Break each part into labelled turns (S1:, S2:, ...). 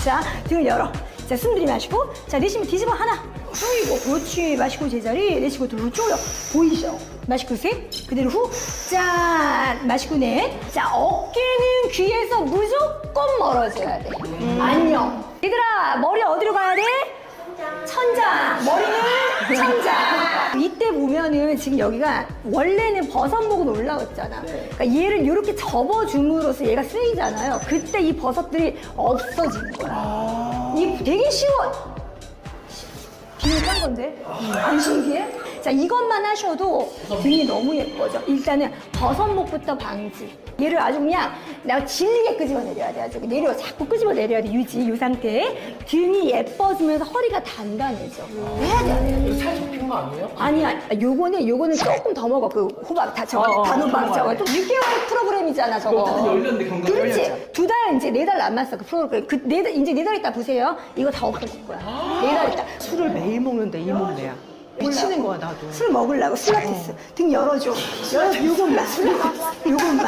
S1: 자, 등을 열어. 자, 숨 들이마시고. 자, 내쉬면 뒤집어 하나. 후, 그렇지. 마시고 제자리. 내쉬고 둘로 쪼여. 보이죠? 마시고 셋. 그대로 후. 짠. 마시고 넷. 자, 어깨는 귀에서 무조건 멀어져야 돼. 안녕. 얘들아, 머리 어디로 가야 돼? 천장. 머리는 천장. 이때 보면은 지금 여기가 원래는 버섯목은 올라왔잖아. 그러니까 얘를 이렇게 접어줌으로써 얘가 쓰이잖아요. 그때 이 버섯들이 없어지는 거야. 이 되게 쉬워. 비밀한 건데? 안 신기해? 자, 이것만 하셔도 등이 너무 예뻐져. 일단은 버섯목부터 방지. 얘를 아주 그냥 내가 질리게 끄집어 내려야 돼. 아주 내려, 자꾸 끄집어 내려야 돼. 유지, 이 상태에. 등이 예뻐지면서 허리가 단단해져. 해야 돼.
S2: 이거 살 접힌 거 아니에요?
S1: 아니야. 요거는 조금 더 먹어. 그 호박, 단호박 저거. 좀 6개월 프로그램이잖아, 저거.
S2: 어쨌든 열렸는데 경과가
S1: 그렇지.
S2: 열렸죠.
S1: 2달, 이제 4달 남았어. 그 프로그램. 이제 4달 있다 보세요. 이거 다 없어질 거야. 4달 있다.
S3: 술을 매일 먹는데 이 몸매야. 미치는 거야 나도.
S1: 술 먹으려고 필라테스. 등 열어줘. 열어줘. 요것만. 요것만.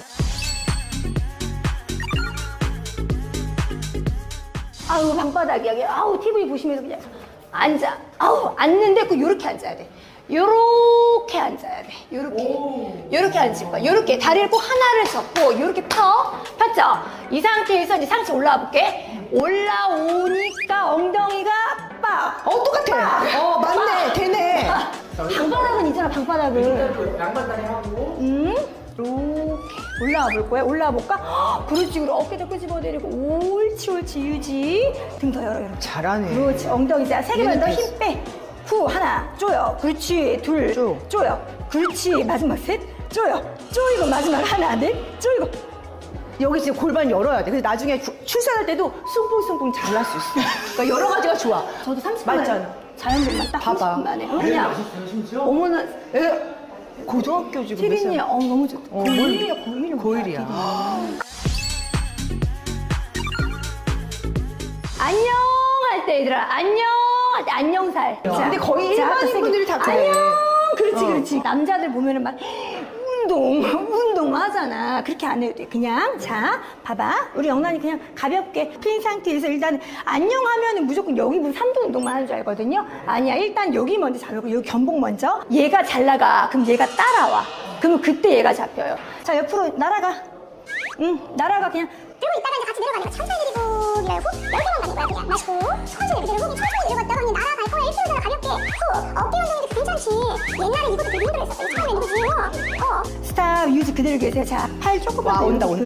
S1: 아우, 방바닥이야. 그냥, 아우, TV 보시면서 그냥 앉아. 아우, 앉는데 꼭 요렇게 앉아야 돼. 요렇게 앉아야 돼. 요렇게 앉을 거야. 요렇게. 다리를 꼭 하나를 접고, 요렇게 폈죠? 이 상태에서 이제 상체 올라와 볼게. 올라오니까 ong덩이가 빡!
S3: 똑같아. 맞네. 되네.
S1: 방바닥은 있잖아, 방바닥은.
S2: 양반다리 하고
S1: 이렇게 올라와 볼 거야. 올라와 볼까? 그렇지. 그리고 어깨도 끄집어내리고. 옳지, 유지. 등 더 열어.
S3: 잘하네.
S1: 그렇지. 엉덩이. 자, 3개만 더 힘 빼. 후, 하나. 쪼여. 그렇지. 둘. 쪼여. 그렇지. 마지막 셋. 쪼여. 쪼이고 마지막 하나. 넷. 쪼이고.
S3: 여기 지금 골반 열어야 돼. 그래서 나중에 출산할 때도 숭풍숭풍 잘 날 수 있어. 그러니까 여러 가지가 좋아.
S1: 저도 30분
S3: 맞잖아.
S1: 만에. 자연분만 딱
S3: 봐봐.
S1: 30분 만에.
S2: 매일
S1: 그냥.
S2: 맛있어요 심지어?
S1: 어머나.
S3: 고등학교 지금 몇
S1: 티린이
S3: 살?
S1: 너무 좋다. 고1이야, 고1.
S3: 고1이야.
S1: 안녕 할 때 얘들아 안녕 할 때 안녕살.
S3: 근데 거의 일반인 분들이 다 그래.
S1: 안녕. 그렇지. 남자들 보면은 막 운동 하잖아. 그렇게 안 해도 돼. 그냥 자 봐봐. 우리 영란이 그냥 가볍게 핀 상태에서 일단 안녕하면은 무조건 여기 무슨 3도 운동만 하는 줄 알거든요. 아니야. 일단 여기 먼저 잡고 여기 견복 먼저. 얘가 잘 나가. 그럼 얘가 따라와. 그러면 그때 얘가 잡혀요. 자 옆으로 날아가. 날아가 그냥.
S4: 들고 있다가 이제 같이 내려가니까 천천히 내리고 이래 후 10개만 가는 거야 그냥 마시고 천천히 내리고 천천히 내려갔다가 그냥 날아갈 거야 1km잖아 가볍게 후 어깨 운동인데 괜찮지 옛날에 이것도 되게 힘들었어 처음에는 그지
S1: 스탑 유지 그대로 계세요. 자 팔 조금만
S3: 와,
S1: 더
S3: 온다,
S1: 이렇게
S3: 온다.